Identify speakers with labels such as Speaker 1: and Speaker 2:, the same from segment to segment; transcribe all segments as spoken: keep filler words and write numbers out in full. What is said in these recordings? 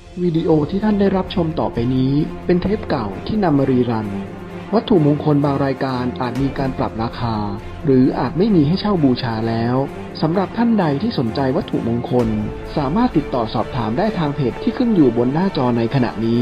Speaker 1: วิดีโอที่ท่านได้รับชมต่อไปนี้เป็นเทปเก่าที่นำมารีรัน วัตถุมงคลบางรายการอาจมีการปรับราคา หรืออาจไม่มีให้เช่าบูชาแล้วสำหรับท่านใดที่สนใจวัตถุมงคลสามารถติดต่อสอบถามได้ทางเพจที่ขึ้นอยู่บนหน้าจอในขณะนี้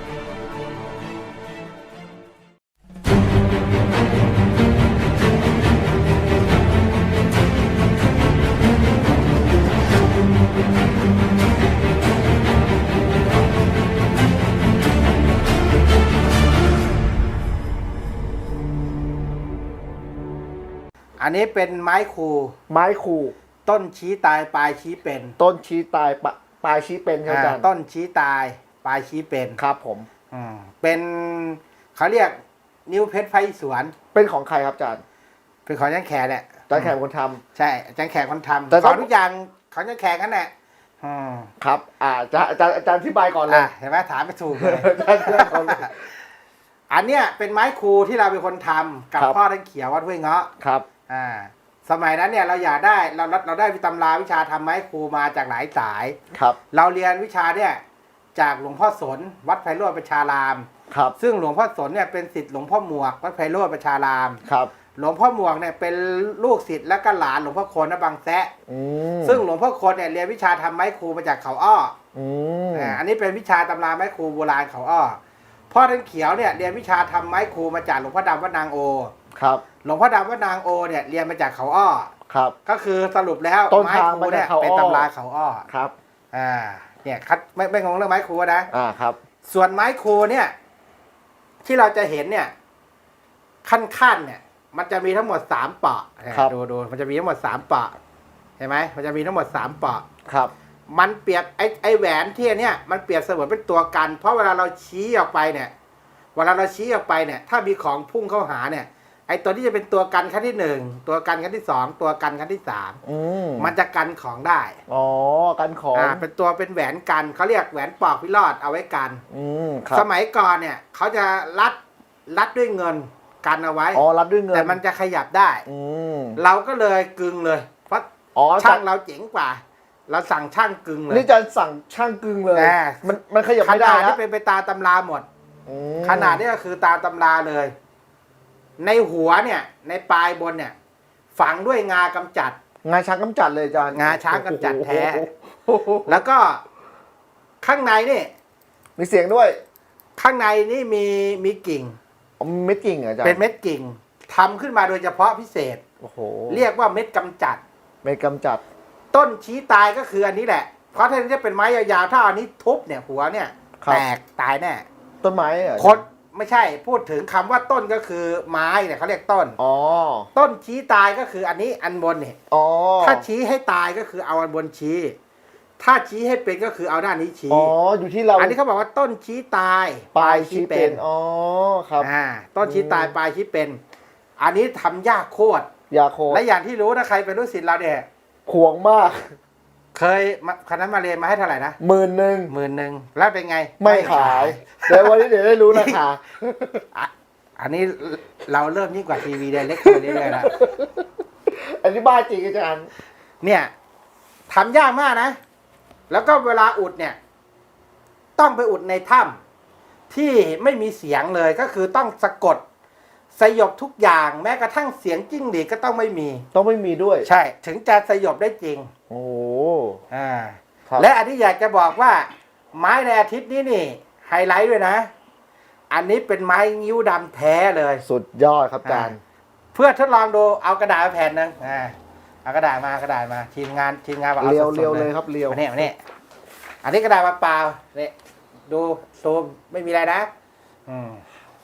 Speaker 2: อันนี้เป็นไม้คู
Speaker 3: ไม้ขู่
Speaker 2: ต้นชี้ตายปลายชี้เป็น
Speaker 3: ต้นชี้ตายปะปลายชี้เป็นครับอาจารย์
Speaker 2: ต้นชี้ตายปลายชี้เป็น
Speaker 3: ครับผม
Speaker 2: อืมเป็นเขาเรียกนิ้วเพชรไฟสวน
Speaker 3: เป็นของใครครับอาจารย์
Speaker 2: เป็นของจันแขกเนี่ย
Speaker 3: อาจารย์แขกคนทำ
Speaker 2: ใช่จันแขกคนทำ
Speaker 3: แต่
Speaker 2: ข
Speaker 3: ต้
Speaker 2: อ
Speaker 3: อง
Speaker 2: ทุกอย่างของจันแขกนั่นแหละอืม
Speaker 3: ครับ อ่าอาจารย์อาจารย์อาจารย์อธิบายก่อนเลย
Speaker 2: อ่ะเห็นไหมถามไปถูกเลย
Speaker 3: อาจารย์อธิบายก่อนเลย
Speaker 2: อันเนี้ยเป็นไม้คูที่เราเป็นคนทำกับ
Speaker 3: ครับ
Speaker 2: พ่อท่านเขียววัดห้วยเงาะ
Speaker 3: ครับ
Speaker 2: อ่าสมัยนั้นเนี่ยเราอยากได้เราเราได้วิตำราวิชาทำไม้คูมาจากหลายสาย
Speaker 3: ครับ
Speaker 2: เราเรียนวิชาเนี่ยจากหลวงพ่อสนวัดไพโรจน์ประชาราม
Speaker 3: ครับ
Speaker 2: ซึ่งหลวงพ่อสนเนี่ยเป็นศิษย์หลวงพ่อหมวกวัดไพโรจน์ประชาราม
Speaker 3: ครับ
Speaker 2: หลวงพ่อหมวกเนี่ยเป็นลูกศิษย์และก็หลานหลวงพ่อโคนนบางแซะ
Speaker 3: อืม
Speaker 2: ซึ่งหลวงพ่อโคนเนี่ยเรียนวิชาทำไม้คูมาจากเขาอ้อ
Speaker 3: อืม
Speaker 2: อ่าอันนี้เป็นวิชาตำราไม้คูโบราณเขาอ้อพ่อท่านเขียวเนี่ยเรียนวิชาทำไม้คูมาจากหลวงพ่อดำวัดนางโอ
Speaker 3: ครับ
Speaker 2: หลวงพ่อดำวัดนางโอเนี่ยเรียนมาจากเขาอ้อ
Speaker 3: ครับ
Speaker 2: ก็คือสรุปแล้ว
Speaker 3: ต้น
Speaker 2: ไม้
Speaker 3: ทาง
Speaker 2: คู
Speaker 3: มาจาก
Speaker 2: เนี่ย
Speaker 3: เขาอ้อ
Speaker 2: เป็นตำราเขาอ้อ
Speaker 3: ครับ
Speaker 2: อ่าเนี่ยคัดไม่ไม่งงเรื่องไม้คูนะ
Speaker 3: อ่าครับ
Speaker 2: ส่วนไม้คูเนี่ยที่เราจะเห็นเนี่ยขั้นๆเนี่ยมันจะมีทั้งหมดสามเปาะ
Speaker 3: ครับ
Speaker 2: ดูดูมันจะมีทั้งหมดสามเปาะเห็นไหมมันจะมีทั้งหมดสามเปาะ
Speaker 3: ครับ
Speaker 2: มันเปรียบไอ้ไอ้แหวนที่อันเนี่ยมันเปรียบเสมือนเป็นตัวกัน เพราะเวลาเราชี้ออกไปเนี่ยเวลาเราชี้ออกไปเนี่ยถ้ามีของพุ่งเข้าหาเนี่ยไอ้ตัวที่จะเป็นตัวกันขั้นที่หนึ่งตัวกันขั้นที่สองตัวกันขั้นที่สาม
Speaker 3: อืม
Speaker 2: มันจะกันของได้
Speaker 3: อ๋อกันของ
Speaker 2: อ่าเป็นตัวเป็นแหวนกันเขาเรียกแหวนปอกพิรอดเอาไว้กัน
Speaker 3: อืมครับ
Speaker 2: สมัยก่อนเนี่ยเขาจะรัดรัดด้วยเงินกันเอาไว้
Speaker 3: อ๋อรับด้วยเงิน
Speaker 2: แต่มันจะขยับได้
Speaker 3: อืม
Speaker 2: เราก็เลยกึงเลย เพราะ
Speaker 3: อ๋อ
Speaker 2: ช่างเราเจ๋งกว่า เราสั่งช่างกึงเลย
Speaker 3: นี่อาจารย์สั่งช่างกึ่งเลย
Speaker 2: แน่
Speaker 3: มันมันขยับ
Speaker 2: ข
Speaker 3: ไม่ได้
Speaker 2: นาด
Speaker 3: แล้
Speaker 2: ที่
Speaker 3: ว
Speaker 2: เป็นไปตามตำราหมด
Speaker 3: อืม
Speaker 2: ขนาดนี้ก็คือตามตำราเลย ในหัวเนี่ย ในปลายบนเนี่ย ฝังด้วยงากำจัด
Speaker 3: งาช้างกำจัดเลยอาจารย์
Speaker 2: งาช้างกำจัดแท้
Speaker 3: โอ้โห
Speaker 2: แล้วก็ข้างในนี่
Speaker 3: มีเสียงด้วย
Speaker 2: ข้างในนี่มีมีกิ่ง
Speaker 3: อ๋อเม็ดกิ่งเหรออาจารย์
Speaker 2: เป็นเม็ดกิ่งทำขึ้นมาโดยเฉพาะพิเศษ
Speaker 3: โอ้โห
Speaker 2: เรียกว่าเม็ดกำจัด
Speaker 3: เม็ดกำจัด
Speaker 2: ต้นชี้ตายก็คืออันนี้แหละ เพราะถ้าจะเป็นไม้ยาวๆ ถ้าอันนี้ทุบเนี่ยหัวเนี่ย
Speaker 3: ครับ
Speaker 2: แตกตายแน่
Speaker 3: ต้นไม้เหรอ
Speaker 2: คนไม่ใช่พูดถึงคำว่าต้นก็คือไม้เนี่ยเขาเรียกต้น
Speaker 3: อ๋อ
Speaker 2: ต้นชี้ตายก็คืออันนี้อันบนเนี่ย
Speaker 3: อ๋อ
Speaker 2: ถ้าชี้ให้ตายก็คือเอาอันบนชี้ ถ้าชี้ให้เป็นก็คือเอาด้านนี้ชี้
Speaker 3: อ๋ออยู่ที่เรา
Speaker 2: อันนี้เขาบอกว่าต้นชี้ตาย
Speaker 3: ปลายชี้เป็นอ๋อครับ
Speaker 2: อ่าต้นชี้ตายปลายชี้เป็น อันนี้ทำยากโคตร
Speaker 3: ยาโค
Speaker 2: และอย่างที่รู้นะใครเป็นลูกศิษย์เราเนี่ย
Speaker 3: ขวงมาก
Speaker 2: เคยมาคณะมาเรียนมาให้เท่าไหร่นะ
Speaker 3: หมื่นหนึ่ง
Speaker 2: หมื่นหนึ่งแล้วเป็นไง
Speaker 3: ไม่ขาย เดี๋ยววันนี้เดี๋ยวได้รู้ราคา
Speaker 2: อ่ะอันนี้เราเริ่มยิ่งกว่าทีวีไดเรกไปเรื่อยๆแล้ว
Speaker 3: อันนี้บ้าจริงอาจารย์
Speaker 2: เนี่ยทำยากมากนะ แล้วก็เวลาอุดเนี่ย ต้องไปอุดในถ้ำที่ไม่มีเสียงเลยก็คือต้องสะกดสยบทุกอย่างแม้กระทั่งเสียงจิ้งหรีดก็ต้องไม่มี
Speaker 3: ต้องไม่มีด้วย
Speaker 2: ใช่ถึงจะสยบได้จริง
Speaker 3: โอ้โห
Speaker 2: อ่า
Speaker 3: ครับ
Speaker 2: และอันนี้อยากจะบอกว่า ไม้ในอาทิตย์นี้นี่ไฮไลท์ด้วยนะ อันนี้เป็นไม้งิ้วดำแท้เลย
Speaker 3: สุดยอดครับอาจารย์
Speaker 2: เพื่อทดลองดูเอากระดาษมาแผ่นหนึงอ่าเอากระดาษมากระดาษมาทีมงานทีมงานบอกเอา
Speaker 3: เรียว
Speaker 2: สดๆ
Speaker 3: เรียวเลยครับเรียว
Speaker 2: มาเนี่ยมาเนี่ยอันนี้กระดาษเปล่าๆเนี่ยดูซูมไม่มีอะไรนะอืม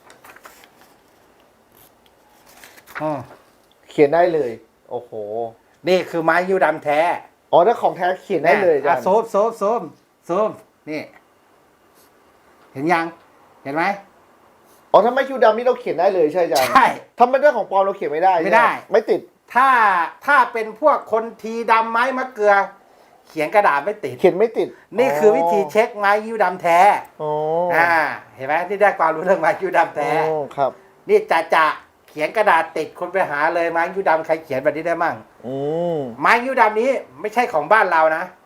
Speaker 2: อืม
Speaker 3: เขียนได้เลย โอ้โห
Speaker 2: นี่คือไม้ยิ้วดำแท้
Speaker 3: อ๋อถ้าของแท้เขียนได้เลยอาจารย์
Speaker 2: โซมโซมโซมโซมนี่ เห็นยัง เห็นไหม
Speaker 3: อ๋อถ้าไม่คิวดำนี่เราเขียนได้เลยใช่อาจารย์
Speaker 2: ใช่
Speaker 3: ถ้าไม่ได้ของปลอมเราเขียนไม่ได้
Speaker 2: ไม่ได้
Speaker 3: ใช่หไม่ติด
Speaker 2: ถ้าถ้าเป็นพวกคนทีดำไม้มะเกลือ เขียนกระดาษไม่ติด
Speaker 3: เขียนไม่ติด
Speaker 2: นี่คือวิธีเช็คไม้ยิ้วดำแท้
Speaker 3: อ๋อ
Speaker 2: อ่า เห็นไหมนี่ได้ความรู้เรื่องไม้ยิ้วดำแท้
Speaker 3: อ๋อครับ
Speaker 2: นี่จะจะเขียนกระดาษติดคนไปหาเลยไม้ยิ้วดำใครเขียนแบบนี้ได้มั่ง
Speaker 3: อืม
Speaker 2: ไม้ยิ้วดำนี้ไม่ใช่ของบ้านเรานะ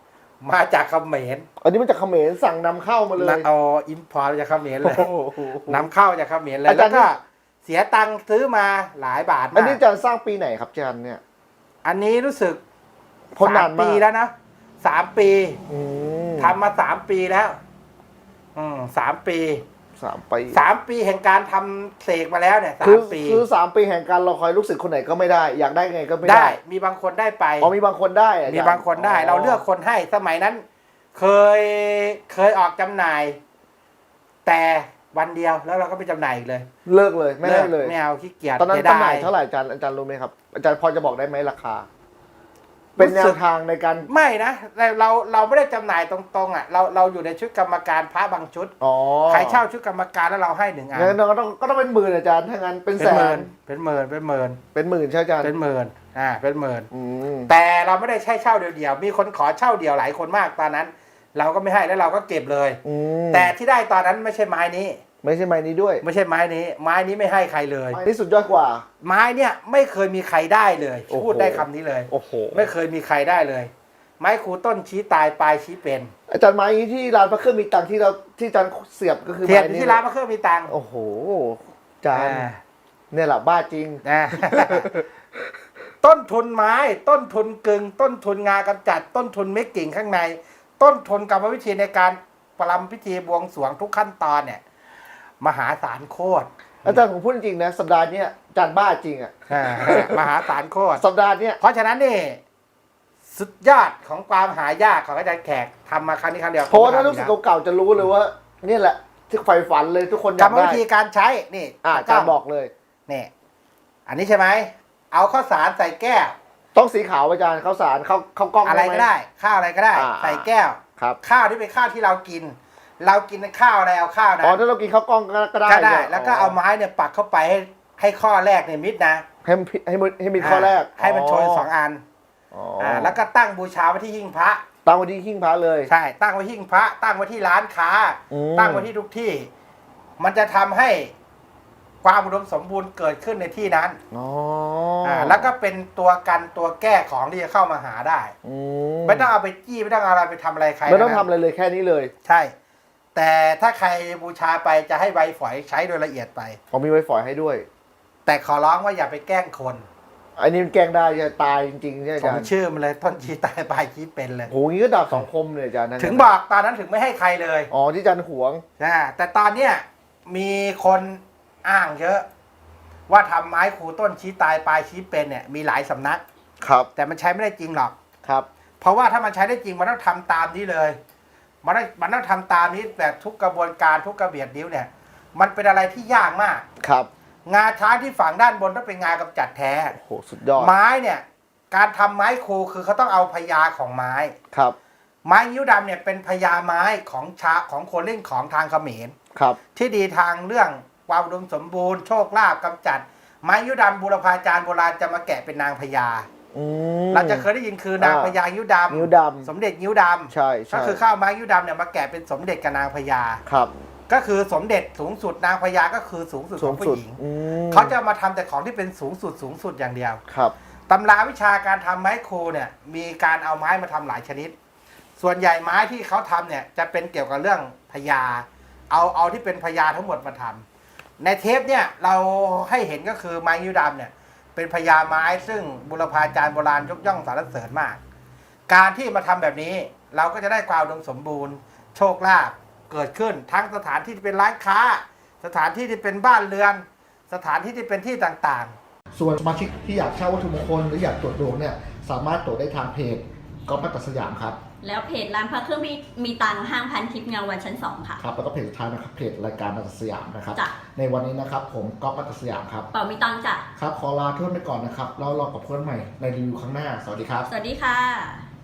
Speaker 2: มาจากเขมร
Speaker 3: อันนี้มันจากเขมรสั่งนำเข้ามาเลย
Speaker 2: เอาอิมพอร์ตจากเขมรเลย
Speaker 3: โอ้โห
Speaker 2: นำเข้าจากเขมรเลย
Speaker 3: อาจารย์
Speaker 2: แล้วก็เสียตังค์ซื้อมาหลายบาท
Speaker 3: อัน
Speaker 2: มา
Speaker 3: นี้
Speaker 2: ก
Speaker 3: อาจารย์สร้างปีไหนครับอาจารย์เนี่ย
Speaker 2: อันนี้รู้สึก
Speaker 3: เพราะนาน
Speaker 2: สาม
Speaker 3: มาก
Speaker 2: ปีแล้วนะสามปี
Speaker 3: อืม
Speaker 2: ทำมาสามปีแล้ว อืมสามปี
Speaker 3: สามปี
Speaker 2: สามปีแห่งการทำเสกมาแล้วเนี่ยสา
Speaker 3: คือ
Speaker 2: มปี
Speaker 3: คือสามปีแห่งการรอคอยลูกศิษย์คนไหนก็ไม่ได้ อยากได้ไงก็ไม่
Speaker 2: ได้
Speaker 3: ได้
Speaker 2: มีบางคนได้ไป
Speaker 3: อ๋อมีบางคนได้อะอจรย์
Speaker 2: มีบางคนได้ เราเลือกคนให้สมัยนั้น เคยเคยออกจำหน่าย แต่วันเดียวแล้วเราก็ไปจำหน่ายอีกเลย
Speaker 3: เลิกเลยไม่ให้เลย
Speaker 2: ไม่เอาขี้เกียจ
Speaker 3: ตอนนั้น
Speaker 2: สีย
Speaker 3: จำ
Speaker 2: ด
Speaker 3: หน่ายเท่าไหร่อาจารย์อาจารย์รู้ไหมครับอาจารย์พอจะบอกได้ไหมราคา เป็นแนวทางในการ
Speaker 2: ไม่นะเราเราเราไม่ได้จำหน่ายตรงๆอ่ะเราเราอยู่ในชุดกรรมการพระบางชุด
Speaker 3: อ๋อ
Speaker 2: ใครเช่าชุดกรรมการแล้วเราให้หนึ่งอัน
Speaker 3: งั้นก็ต้องก็ต้องเป็นหมื่นอาจารย์ถ้างั้นเป็น
Speaker 2: เป็น
Speaker 3: แส
Speaker 2: หมื่
Speaker 3: น
Speaker 2: นเป็นหมื่นเป็นหมื่น
Speaker 3: เป็นหมื่นใช่อาจารย์
Speaker 2: เป็นหมื่นอ่าเป็นหมื่น
Speaker 3: อืม
Speaker 2: แต่เราไม่ได้ใช่เช่าเดียวๆมีคนขอเช่าเดียวหลายคนมากตอนนั้น เราก็ไม่ให้แล้วเราก็เก็บเลย
Speaker 3: อืม
Speaker 2: แต่ที่ได้ตอนนั้นไม่ใช่ไม้นี้
Speaker 3: ไม่ใช่ไม้นี้ด้วย
Speaker 2: ไม่ใช่ไม้นี้ ไม้นี้ไม่ให้ใครเลย
Speaker 3: ไม้นี้สุดยอดกว่า
Speaker 2: ไม้เนี่ยไม่เคยมีใครได้เลย
Speaker 3: โอ้โห
Speaker 2: พูดได้คำนี้เลย
Speaker 3: โอ้โห
Speaker 2: ไม่เคยมีใครได้เลย ไม้ครูต้นชี้ตายปลายชี้เป็น
Speaker 3: อาจารย์ไม้นี้ที่ร้านพระเครื่องมีตังค์ที่เราที่อาจารย์เสียบก็คือ
Speaker 2: เทียน
Speaker 3: ไม้นี้
Speaker 2: ที่ร้านพระเครื่องมีตังค์
Speaker 3: โอ้โหอาจารย์
Speaker 2: อ่า
Speaker 3: เนี่ยแหละบ้าจริง
Speaker 2: นะ ต้นทุนไม้ ต้นทุนกึ่งต้นทุนงากำจัด ต้นทุนเม็ดกิ่งข้างใน ต้นทุนกรรมวิธีในการประลำพิธีบวงสรวงทุกขั้นตอนเนี่ย มหาศาลโคตร
Speaker 3: อาจารย์ผมพูดจริงๆนะสัปดาห์เนี้ยอาจารย์บ้าจริงอ่ะ
Speaker 2: อ่ามหาศาลโคตร
Speaker 3: สัปดาห์เนี้ย
Speaker 2: เพราะฉะนั้นนี่สุดยอดของความหายากของอาจารย์แขกทำมาครั้งนี้ครั้งเดียว
Speaker 3: เพราะว่าถ้าลูกศิษย์เก่าๆจะรู้เลยว่าเนี่ยแหละที่ใฝ่ฝันเลยทุกคนอก
Speaker 2: ร
Speaker 3: ยาร ก
Speaker 2: มวิ
Speaker 3: ได้
Speaker 2: ธีการใช้นี่
Speaker 3: อ่าอาจารย์บอกเลย
Speaker 2: นี่อันนี้ใช่ไหมเอาข้าวสารใส่แก้ว
Speaker 3: ต้องสีขาวอาจารย์ข้าวสารข้าวข้าวกล้อง
Speaker 2: อะไร
Speaker 3: หม
Speaker 2: ก็ได้ ข้าวอะไรก็ได้
Speaker 3: อ่า
Speaker 2: ใส่แก้ว
Speaker 3: ครับ
Speaker 2: ข้าวที่เป็นข้าวที่เรากิน เรากินข้าวอะไรเอาข้าวนะ
Speaker 3: อ๋อถ้าเรากินข้าวกล้องก็ก็ได้
Speaker 2: ก็ได้
Speaker 3: ใช่หม
Speaker 2: แล้วก็เอาไม้เนี่ยปักเข้าไปให้ให้ข้อแรกเนี่ยมิดนะ
Speaker 3: ให้มันให้มันให้มีข้อแรก
Speaker 2: ให้มันโชยสองอัน
Speaker 3: อ๋อ
Speaker 2: อ่าแล้วก็ตั้งบูชาไว้ที่หิ้งพระ
Speaker 3: ตั้งไว้ที่หิ้งพระเลย
Speaker 2: ใช่ตั้งไว้หิ้งพระ ตั้งไว้ที่ร้านค้า
Speaker 3: อืม
Speaker 2: ตั้งไว้ที่ทุกที่ มันจะทำให้ความอุดมสมบูรณ์เกิดขึ้นในที่นั้น
Speaker 3: อ๋อ
Speaker 2: อ่าแล้วก็เป็นตัวกันตัวแก้ของที่จะเข้ามาหาได้
Speaker 3: อืม
Speaker 2: ไม่ต้องเอาไปจี้ไม่ต้องเอาอะไรไปทำอะไรใคร
Speaker 3: ไม่ต้อง
Speaker 2: นะ
Speaker 3: ทำอะไรเลยแค่นี้เลย
Speaker 2: ใช่ แต่ถ้าใครบูชาไปจะให้ใบฝอยใช้โดยละเอียดไป
Speaker 3: ผมมีไว้ฝอยให้ด้วย
Speaker 2: แต่ขอร้องว่าอย่าไปแกล้งคน
Speaker 3: อันนี้มันแกล้งได้จะตายจริงๆใช่ไหมอา
Speaker 2: ผ
Speaker 3: จาม รย์
Speaker 2: ชื่อมันเลยต้นชีตายปลายชีเป็นเลย
Speaker 3: โหงี้ก็ดาบสองคมเลยอาจารย์นั่น
Speaker 2: ถึงบอกตอนนั้นถึงไม่ให้ใครเลย
Speaker 3: อ๋อที่อาจารย์หวง
Speaker 2: นะแต่ตอนเนี้ยมีคนอ้างเยอะ ว่าทำไม้ครูต้นชี้ตายปลายชี้เป็นเนี่ยมีหลายสำนัก
Speaker 3: ครับ
Speaker 2: แต่มันใช้ไม่ได้จริงหรอก
Speaker 3: ครับ
Speaker 2: เพราะว่าถ้ามันใช้ได้จริงมันต้องทำตามนี้เลย มันต้องมันต้องทำตามนี้แบบทุกกระบวนการทุกกระเบียดนิ้วเนี่ย มันเป็นอะไรที่ยากมาก
Speaker 3: ครับ
Speaker 2: งาช้างที่ฝังด้านบนต้องเป็นงากำจัดแท้
Speaker 3: โอ้โหสุดยอด
Speaker 2: ไม้เนี่ย การทำไม้ครูคือเขาต้องเอาพญาของไม้
Speaker 3: ครับ
Speaker 2: ไม้ยิ้วดำเนี่ยเป็นพญาไม้ของชาของคนเล่นของทางเขมร
Speaker 3: ครับ
Speaker 2: ที่ดีทางเรื่องความอุดมสมบูรณ์โชคลาภกำจัด ไม้ยิ้วดำบูรพาจารย์โบราณจะมาแกะเป็นนางพญา
Speaker 3: อืม
Speaker 2: เราจะเคยได้ยินคือนาง
Speaker 3: อ่า
Speaker 2: พญายิ้วดำ
Speaker 3: นิ้วดำ
Speaker 2: สมเด็จยิ้วดำ
Speaker 3: ใช่ใช่
Speaker 2: ก็คือข้าวไม้ยิ้วดำเนี่ยมาแกะเป็นสมเด็จกับนางพญา
Speaker 3: ครับ
Speaker 2: ก็คือสมเด็จสูงสุดนางพญาก็คือสูงสุดข
Speaker 3: สู
Speaker 2: อง งผู้
Speaker 3: สุด
Speaker 2: หญิง
Speaker 3: อืม
Speaker 2: เขาจะมาทำแต่ของที่เป็นสูงสุดสูงสุดอย่างเดียว
Speaker 3: ครับ
Speaker 2: ตำราวิชาการทำไม้ครูเนี่ยมีการเอาไม้มาทำหลายชนิด ส่วนใหญ่ไม้ที่เขาทำเนี่ยจะเป็นเกี่ยวกับเรื่องพญาเอาเอาที่เป็นพญาทั้งหมดมาทำในเทปเนี่ยเราให้เห็นก็คือไม้ยิ้วดำเนี่ยเป็นพญาไม้ซึ่งบุรพาจารย์โบราณยกย่องสรรเสริญมาก การที่มาทำแบบนี้เราก็จะได้ความอุดมสมบูรณ์ โชคลาภเกิดขึ้นทั้งสถานที่ที่เป็นร้านค้า สถานที่ที่เป็นบ้านเรือน สถานที่ที่เป็นที่ต่างๆ
Speaker 3: ส่วนสมาชิกที่อยากเช่าวัตถุมงคลหรืออยากตรวจดวงเนี่ยสามารถตรวจได้ทางเพจก๊อฟมัตตสยามครับ
Speaker 4: แล้วเพจร้านพระเครื่องมีมีตังค์ห้างพันทิพย์เงาวันชั้นสองค่ะ
Speaker 3: ครับแล้วก็เพจสุดท้ายนะครับเพจรายการมัตตสยามนะครับ
Speaker 4: จ้ะ
Speaker 3: ในวันนี้นะครับผมก๊อฟมัตตสยามครับ
Speaker 4: เป่ามีตังค์จ้ะ
Speaker 3: ครับขอลาเพื่อนไปก่อนนะครับแล้วรอกับเพื่อนใหม่ในรีวิวครั้งหน้าสวัสดีครับ
Speaker 4: สวัสดีค่ะ